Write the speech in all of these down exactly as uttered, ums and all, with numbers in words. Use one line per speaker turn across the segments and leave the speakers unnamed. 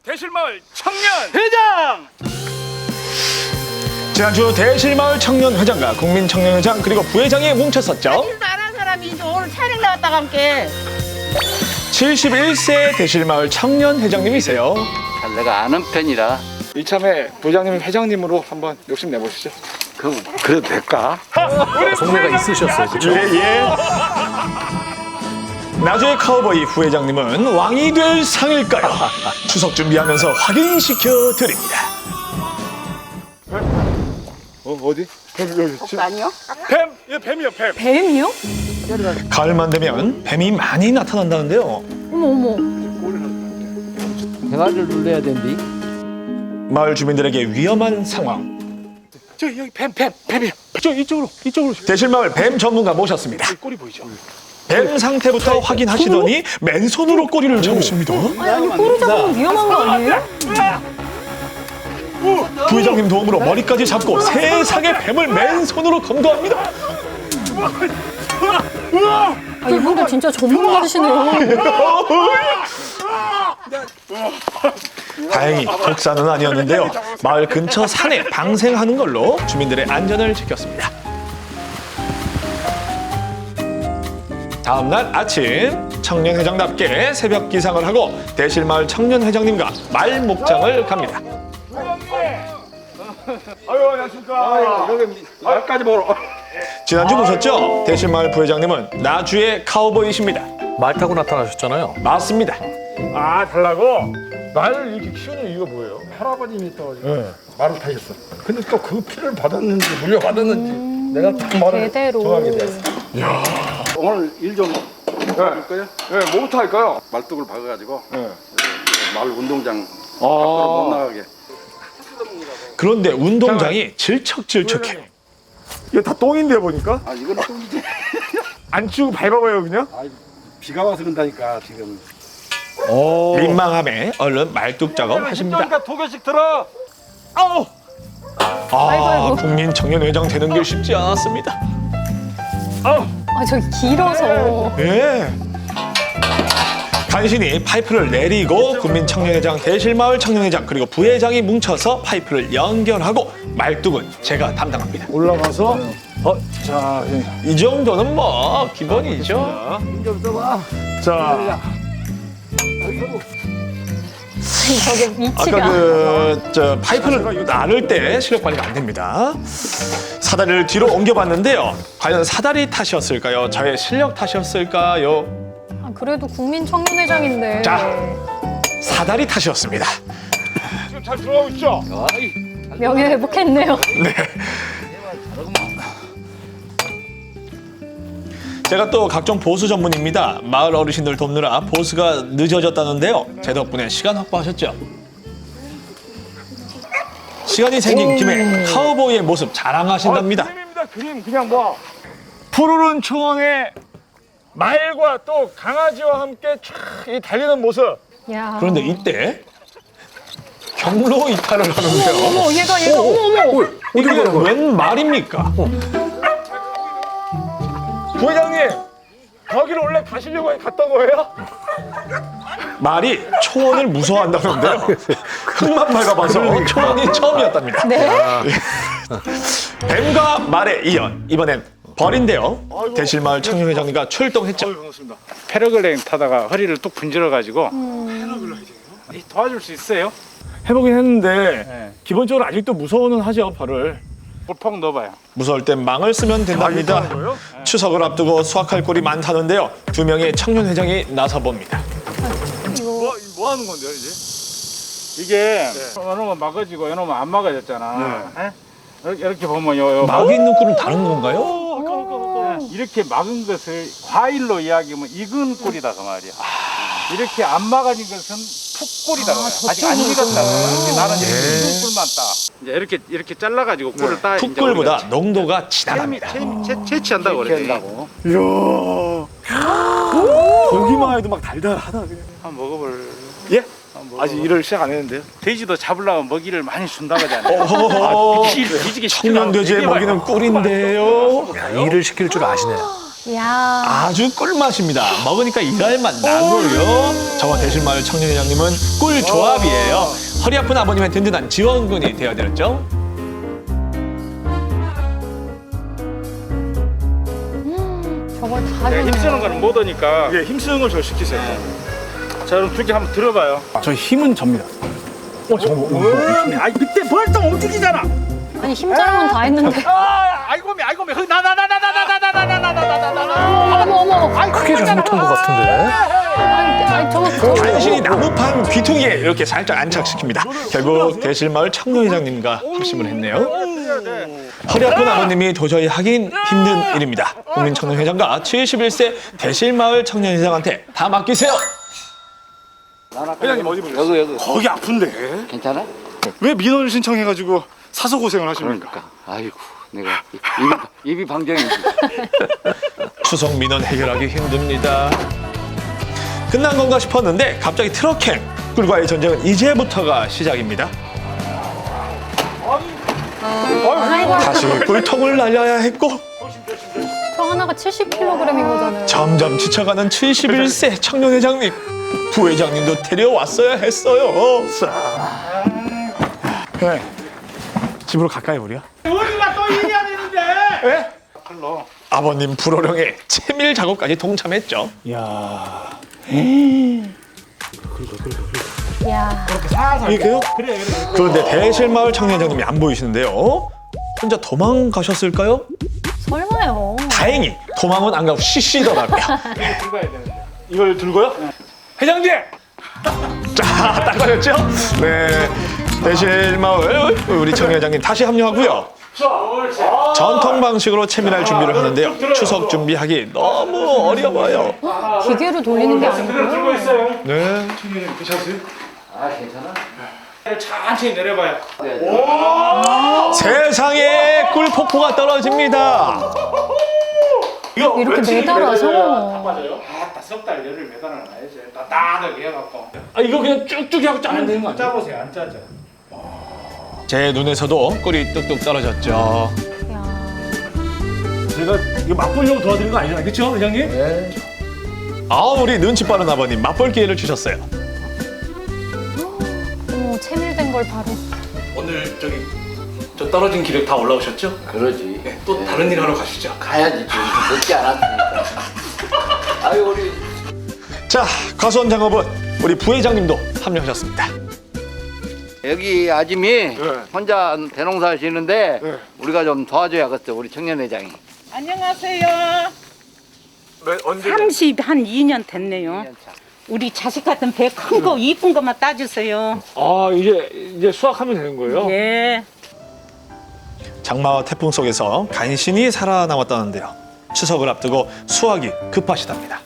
대실마을 청년회장!
지난주 대실마을 청년회장과 국민청년회장 그리고 부회장이 뭉쳤었죠.
일도 안 한 사람이 이제 오늘 촬영 나왔다가 함께.
칠십일 세 대실마을 청년회장님이세요.
잘 내가 아는 편이라.
이참에 부회장님 회장님으로 한번 욕심 내보시죠.
그럼 그래도 될까?
속내가 있으셨어요, 그렇죠?
예, 예. 나주의 카우보이 부회장님은 왕이 될 상일까요? 추석 준비하면서 확인시켜 드립니다.
어, 어디? 뱀, 여기. 지금.
아니요?
뱀! 예, 뱀이요, 뱀.
뱀이요?
가을만 되면 뱀이 많이 나타난다는데요.
어머 어머.
대화를 눌러야 된디.
마을 주민들에게 위험한 상황.
저, 여기 뱀, 뱀, 뱀이요. 저, 이쪽으로, 이쪽으로.
대실마을 뱀 전문가 모셨습니다.
꼬리 보이죠?
뱀 상태부터 확인하시더니 맨손으로 꼬리를 잡으십니다.
아니 꼬리 잡으면 위험한 거 아니에요?
부회장님 도움으로 머리까지 잡고 세상의 뱀을 맨손으로 검거합니다.
아 이분들 진짜 전문가시네요.
다행히 독사는 아니었는데요. 마을 근처 산에 방생하는 걸로 주민들의 안전을 지켰습니다. 다음 날 아침 청년회장답게 새벽 기상을 하고 대실마을 청년회장님과 말 목장을 갑니다.
아유, 안녕하십니까. 여기 말까지 보러.
지난주 보셨죠? 대실마을 부회장님은 나주의 카우보이십니다.
말 타고 나타나셨잖아요.
맞습니다.
아, 달라고? 말을 이렇게 키우는 이유가 뭐예요?
할아버님이 또 말을 타셨어. 근데 또 그 피를 받았는지 물려받았는지 내가 딱 말을
제대로.
정하게 됐어.
오늘 일 좀 해볼까요?
네, 뭐부터 할까요?
말뚝을 박아가지고
네.
마을 운동장
아.
밖으로 못 나가게.
그런데 운동장이 질척질척해요.
이게 다 똥인데 보니까?
아 이건 똥이지.
안 치우고 밟아봐요, 그냥?
아, 비가 와서 그런다니까 지금.
민망함에 얼른 말뚝 작업 하십니다.
그러니까 두 개씩 들어. 아우!
아, 국민청년회장 되는 게 쉽지 않았습니다.
아우!
아 저기 길어서.
예. 간신히 파이프를 내리고 국민청년회장, 대실마을 청년회장 그리고 부회장이 뭉쳐서 파이프를 연결하고 말뚝은 제가 담당합니다.
올라가서, 어, 자,
이 정도는 뭐 기본이죠.
자.
저게 위치가.
아까 그 저 파이프를 나를 때 시력 관리가 안 됩니다. 사다리를 뒤로 옮겨봤는데요. 과연 사다리 탓이었을까요? 저의 실력 탓이었을까요?
아, 그래도 국민청년회장인데.
자. 사다리 탓이었습니다.
지금 잘 들어가고 있죠?
명예 회복했네요.
제가 또 각종 보수 전문입니다. 마을 어르신들 돕느라 보수가 늦어졌다는데요. 제 덕분에 시간 확보하셨죠? 시간이 생긴 김에 카우보이의 모습 자랑하신답니다.
아, 그림입니다, 그림. 그냥 뭐. 푸르른 초원에 말과 또 강아지와 함께 촥 달리는 모습.
야.
그런데 이때 경로 이탈을 하는데요.
어머 얘가 얘가 어머 어머.
이게 웬 말입니까?
부회장님, 거기를 원래 가시려고 갔던 거예요?
말이 초원을 무서워한다는데요. 흙만 밟아봐서 초원이 처음이었답니다.
네.
뱀과 말에 이어 이번엔 벌인데요. 대실마을 청년회장님과 출동했죠.
반갑습니다.
패러글라이딩 타다가 허리를 뚝 분질러가지고 도와줄 수 있어요?
해보긴 했는데
네.
기본적으로 아직도 무서워는 하죠, 벌을.
물폭 넣어봐요.
무서울 땐 망을 쓰면 된답니다.
하는 거예요?
추석을 앞두고 수확할 꼴이 많다는데요. 두 명의 청년회장이 나서봅니다.
뭐, 뭐 하는 건데요, 이제?
이게 이놈은 막아지고 이놈은 안 막아졌잖아. 에? 이렇게, 이렇게 보면 요, 요
막이 있는 꿀은 다른 건가요?
막- 이렇게 막은 것을 과일로 이야기하면 익은 꿀이다 그 말이야. 이렇게 안 막아진 것은 풋꿀이다. 그 말이야. 아직 안 익었다. 그래서 나는 이렇게 익은 꿀만 따. 이제 이렇게 이렇게 잘라가지고 꿀을 따. 이제
풋꿀보다
우리가
농도가
채-
진하답니다.
채- 채- 채취한다고 그래. 채취한다고.
이야. 보기만 해도 막 달달하다, 그냥.
한번 먹어볼.
예?
한번
아직 일을 시작 안 했는데요.
돼지도 잡으려면 먹이를 많이 준다고 하잖아요.
어허허.
뒤- 뒤지게
청년 돼지의
시키려고
먹이는
되게
꿀인데요.
야, 일을 시킬 줄 아시네.
이야.
아주 꿀맛입니다. 먹으니까 일할 맛 나고요. 저와 대실마을 청년회장님은 꿀 조합이에요. 허리 아픈 아버님의 든든한 지원군이 되어드렸죠.
저걸 다
내가
주네요.
힘쓰는 거는 못 하니까
예, 힘쓰는 걸 저 시키세요.
자 그럼 두 개 한번 들어봐요.
저 힘은 접니다. 어, 저 뭐, 뭐,
아 밑에 벌떡 움직이잖아.
아니 힘자랑은 다 했는데.
아 아이고 매 아이고 매나나나나나나나나나나나나나나
어머 어머 어머.
크게 잘못한 것 같은데.
아니, 아니 저거
간신히 나무판 귀퉁이에 이렇게 살짝 안착시킵니다. 결국 대실마을 청년회장님과 합심을 했네요. 허리 아픈 아버님이 도저히 하긴 힘든 일입니다. 국민청년회장과 칠십일 세 대실마을 청년회장한테 다 맡기세요.
회장님 어디 보세요?
여기 여기
거기 아픈데
괜찮아?
왜 민원을 신청해가지고 사서 고생을 하십니까?
그러니까 아이고 내가 입이, 입이 방정이지.
추석 민원 해결하기 힘듭니다. 끝난 건가 싶었는데 갑자기 트럭행 꿀과의 전쟁은 이제부터가 시작입니다.
아이고
다시 꿀통을 날려야 했고
저 하나가 칠십 킬로그램인 거잖아요.
점점 지쳐가는 칠십일 세 청년회장님. 부회장님도 데려왔어야 했어요.
네. 집으로 가까이 우리가?
우리가 또 일해야 되는데.
예?
아버님 불호령에 채밀 작업까지 동참했죠.
이야.
이야.
이게요? 그런데 대실마을 청년회장님이 안 보이시는데요. 혼자 도망가셨을까요?
설마요.
다행히 도망은 안 가고 쉬시더라고요.
이걸 들고요? 회장님!
자, 딱 걸렸죠? 네. 대실마을 우리 청년회장님 다시 합류하고요. 전통 방식으로 채밀할 준비를 하는데요. 추석 준비하기 너무 어려워요.
기계로 돌리는 게 아니고요.
있어요.
네.
드셨어요?
아 괜찮아?
천천히 내려봐요.
세상에 꿀폭포가 떨어집니다.
이렇게 매달아서.
맞아요. 아따 석달 열을 매달아 놔야지. 따뜻하게 해갖고.
아, 이거 그냥 쭉쭉 하고 짜면 되는 거 아니야?
짜보세요. 안 짜죠.
제 눈에서도 꿀이 뚝뚝 떨어졌죠.
이야.
제가 이거 맛보려고 도와드린 거 아니잖아요. 그쵸, 회장님? 네.
아, 우리 눈치 빠른 아버님 맛볼 기회를 주셨어요.
어머 채밀된 걸 바로.
오늘 저기 저 떨어진 기력 다 올라오셨죠?
그러지.
또 다른 일 하러 가시죠.
가야지 좀 늦지 않았으니까. 아유 우리
자, 과수원 작업은 우리 부회장님도 합류하셨습니다.
여기 아줌이 혼자 대농사 하시는데
네.
우리가 좀 도와줘야겠어 우리 청년회장이.
안녕하세요.
네, 언제?
삼십 한 이 년 됐네요. 우리 자식 같은 배 큰 거 이쁜 것만 따주세요.
아, 이제 이제 수확하면 되는 거예요?
예.
장마와 태풍 속에서 간신히 살아남았다는데요. 추석을 앞두고 수확이 급하시답니다.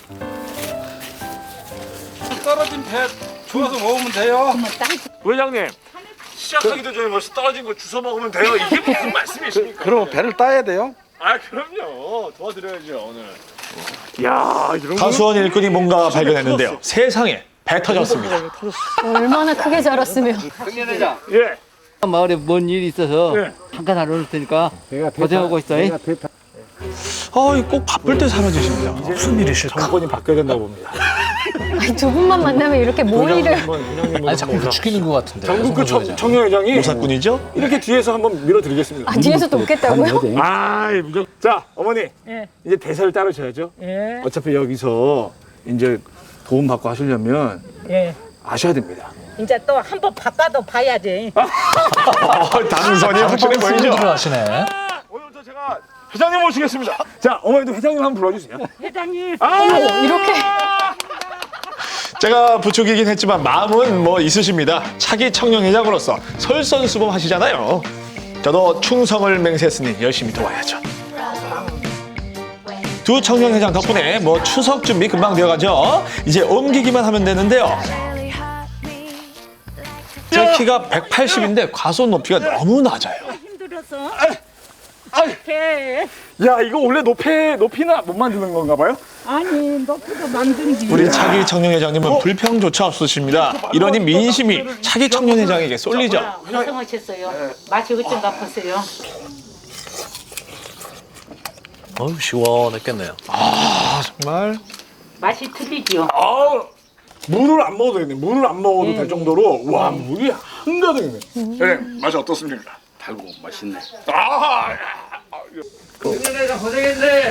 떨어진 배 주워서 먹으면 돼요.
회장님, 시작하기도 전에 벌써 떨어진 거 주워 먹으면 돼요. 이게 무슨 말씀이십니까?
그러면 배를 따야 돼요?
아, 그럼요. 도와드려야죠, 오늘. 이야, 이런 거.
과수원 일꾼이 뭔가 발견했는데요. 세상에 배 터졌습니다.
얼마나 크게 자랐으면.
청년회장.
예.
마을에 뭔 일이 있어서
네.
잠깐 안 올 테니까 고생하고 있어.
아, 꼭 바쁠 때 사라지십니다.
무슨 일이실까?
정권이 바뀌어야 된다고 봅니다.
아니, 두 분만 만나면 이렇게 모의를.
아니 자꾸 부추기는 것 같은데.
전국 그
송부회장.
청- 청년회장이
모사꾼이죠?
이렇게 뒤에서 한번 밀어드리겠습니다.
아 뒤에서 또 웃겠다고요?
아, 무조 자, 어머니.
예.
이제 대사를 따르셔야죠.
예.
어차피 여기서 이제 도움 받고 하시려면
예.
아셔야 됩니다.
이제 또 한 번 바꿔도 봐야지.
어, 당선이 확실해 보이죠?
손들을 하시네.
오늘부터 제가 회장님 모시겠습니다. 자, 어머니도 회장님 한번 불러주세요.
회장님.
아,
이렇게.
제가 부추기긴 했지만 마음은 뭐 있으십니다. 차기 청년회장으로서 설선수범 하시잖아요. 저도 충성을 맹세했으니 열심히 도와야죠. 두 청년회장 덕분에 뭐 추석 준비 금방 되어가죠. 이제 옮기기만 하면 되는데요. 제 키가 백팔십인데 과수원 높이가 너무 낮아요.
힘들어서.
아이.
배.
야, 이거 원래 높이 높이나 못 만드는 건가 봐요?
아니 높이도 만든지.
우리 차기 청년회장님은 불평조차 없으십니다. 이러니 민심이 차기 청년회장에게 쏠리죠.
고생하셨어요. 맛이 어쩐가 보세요.
어우, 시원했겠네요.
아, 정말.
맛이 틀리죠.
아, 물을 안 먹어도 되겠네. 물을 안 먹어도 될 정도로 와 물이 한가득이네. 네, 맛이 어떻습니까?
달고 맛있네.
아,
작년에가 고생했네.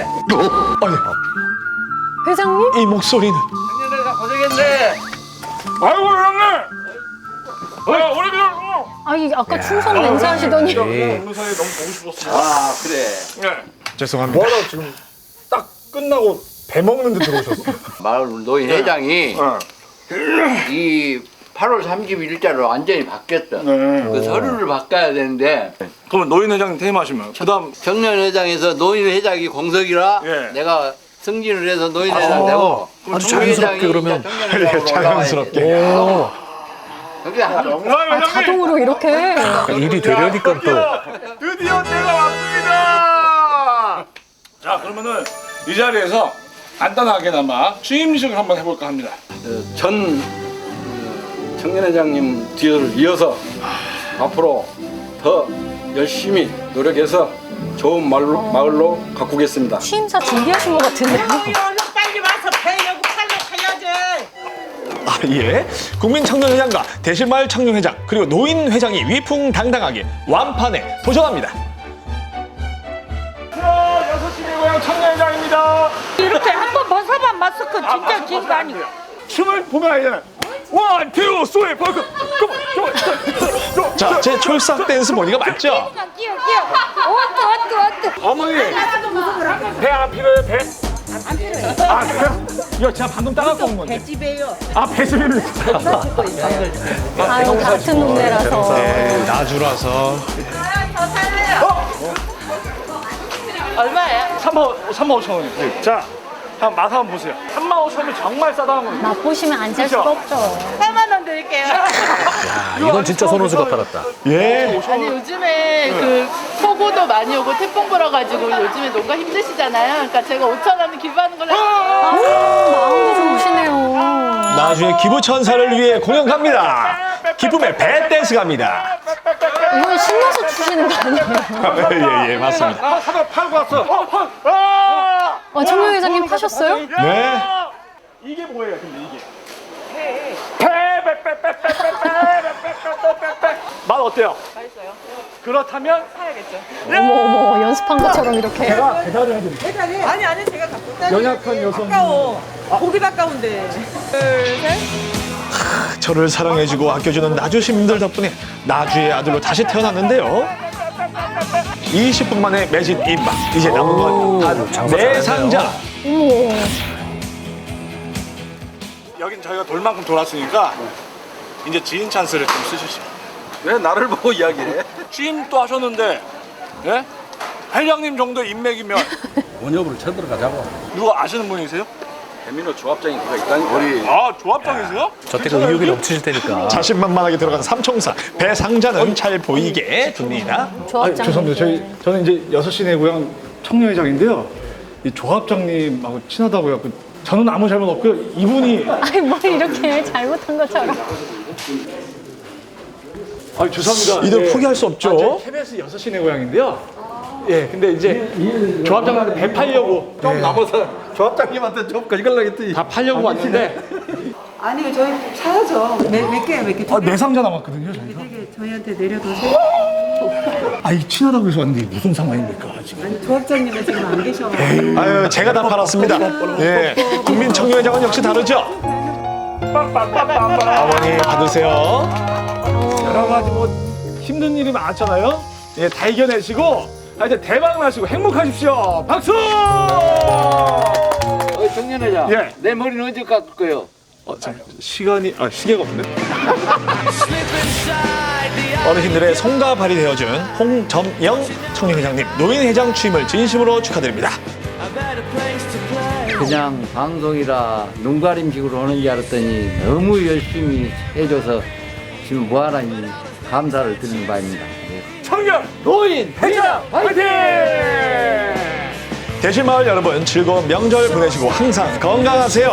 회장님?
이 목소리는.
작년에가 고생했네.
아이고 형님. 아, 우리 그냥
아니 아까 충성 맹세하시더니
오늘 사이 너무 보고 싶었어.
아 그래.
네.
죄송합니다.
뭐하다 지금 딱 끝나고 배 먹는 데 들어오셨어.
마을 노인 회장이
네.
이 팔월 삼십일자로 완전히 바뀌었어.
네.
그 서류를 바꿔야 되는데
그러면 노인 회장님 퇴임하시면 그다음
청년 회장에서 노인 회장이 공석이라
예.
내가 승진을 해서 노인 회장 되고
아주 자연스럽게 그러면.
청년 회장으로
자연스럽게.
올라와야 돼. 그게 한
정말 회장님
자동으로 이렇게
일이 되려니까 또.
드디어 때가 왔습니다. 자 그러면은 이 자리에서 간단하게나마 취임식을 한번 해볼까 합니다.
전 어, 청년회장님 뒤를 이어서 앞으로 더 열심히 노력해서 좋은 마을로, 마을로 가꾸겠습니다.
취임사 준비하신 것 같은데요?
빨리 와서 배려고 팔로 가야지.
아, 예. 국민청년회장과 대실마을 청년회장 그리고 노인회장이 위풍당당하게 완판에 도전합니다.
여섯 시내 고향 청년회장입니다.
이렇게 한 번 벗어봐 마스크 진짜 긴 거 아니고.
춤을 보면 알잖아요. 원, 투, 쓰리, 포, 고!
자, 제 촐싹 댄스 보니까 맞죠?
끼어 끼어 왔다 왔다 왔다
어머니 배 안 필요해요 배? 안 필요해요. 아 그래요? 이거 제가 방금 따갖고 온 건데.
배집에요.
아 배즙이는
아유 같은 동네라서
네, 나주라서.
얼마예요?
삼만 오천 원이요. 자, 한 맛 한번 보세요. 삼만 오천 원이면 정말 싸다는 거예요.
맛보시면 안 살 수가 없죠.
사만 원 드릴게요.
야, 이건 진짜 손호수 같았다.
예.
아니 요즘에 그 폭우도 많이 오고 태풍 불어가지고 요즘에 농가 힘드시잖아요. 그러니까 제가 오천 원 기부하는 걸로.
마음도 좋으시네요.
나주의 기부천사를 위해 공연 갑니다. 기쁨의 배 댄스 갑니다.
이건 신나서 추시는 거 아니에요?
예, 예, 맞습니다.
아, 사과 팔고 왔어. 어, 아!
아, 청년 회장님 파셨어요?
네.
이게 뭐예요, 근데 이게? 배, 배, 배, 배, 배, 배, 배, 배, 배, 배, 배. 맛 어때요?
맛있어요.
그렇다면
사야겠죠.
어머 어머 연습한 것처럼 이렇게.
제가 배달을 해드릴게요.
배달이? 아니 아니 제가 갖고 다니.
연약한 여성.
아까워. 고기 아까운데. 둘 셋.
저를 사랑해주고 아껴주는 나주 시민들 덕분에 나주의 아들로 다시 태어났는데요. 이십 분 만에 매진 입막. 이제 남은 건 단 네 상자.
어머.
여긴 저희가 돌만큼 돌았으니까 이제 지인 찬스를 좀 쓰십시오.
왜 나를 보고 이야기해?
취임도 하셨는데, 예? 회장님 정도 인맥이면
원협으로 쳐들어가자고.
누가 아시는 분이세요?
대민호 조합장이 그가 있다니까. 우리
아, 조합장이세요?
저때가 의욕이 넘치실 테니까.
자신만만하게 들어간 삼총사. 배 상자는 잘 보이게 둡니다.
조합장.
죄송합니다. 저희 저는 이제 여섯 시내 고향 청년회장인데요. 이 조합장님하고 친하다고 해갖고 저는 아무 잘못 없고요. 이분이
아니 뭘 이렇게 잘못한 것처럼.
아 죄송합니다.
이들
예.
포기할 수
아,
없죠.
저희 케이비에스 여섯 시내 고향인데요. 예, 근데 이제 조합장한테 배 팔려고
좀 남아서 조합장님한테 좀 거짓말로 했더니
다 팔려고 왔는데
아니 저희 사야죠. 몇몇 개야 몇 개.
아, 네 상자 남았거든요. 저희가.
저희한테 내려놓으세요.
아, 이 친하다고 해서 왔는데 무슨 상관입니까 지금?
아니 조합장님은 지금 안 계셔가지고.
아유, 제가 다 팔았습니다. 예, 국민청년회장은 역시 다르죠. 어머니 받으세요.
여러 가지 뭐 힘든 일이 많았잖아요. 예, 다 이겨내시고 아, 이제 대박 나시고 행복하십시오. 박수!
어, 청년회장.
예.
내 머리는 언제 깎을 거예요?
어, 참, 시간이 아 시계가 없네.
어르신들의 손과 발이 되어준 홍점영 청년회장님 노인회장 취임을 진심으로 축하드립니다.
그냥 방송이라 눈가림식으로 하는 줄 알았더니 너무 열심히 해줘서 지금 무한한 감사를 드리는 바입니다. 네.
청년 노인 회장 화이팅!
대실마을 여러분 즐거운 명절 보내시고 항상 건강하세요.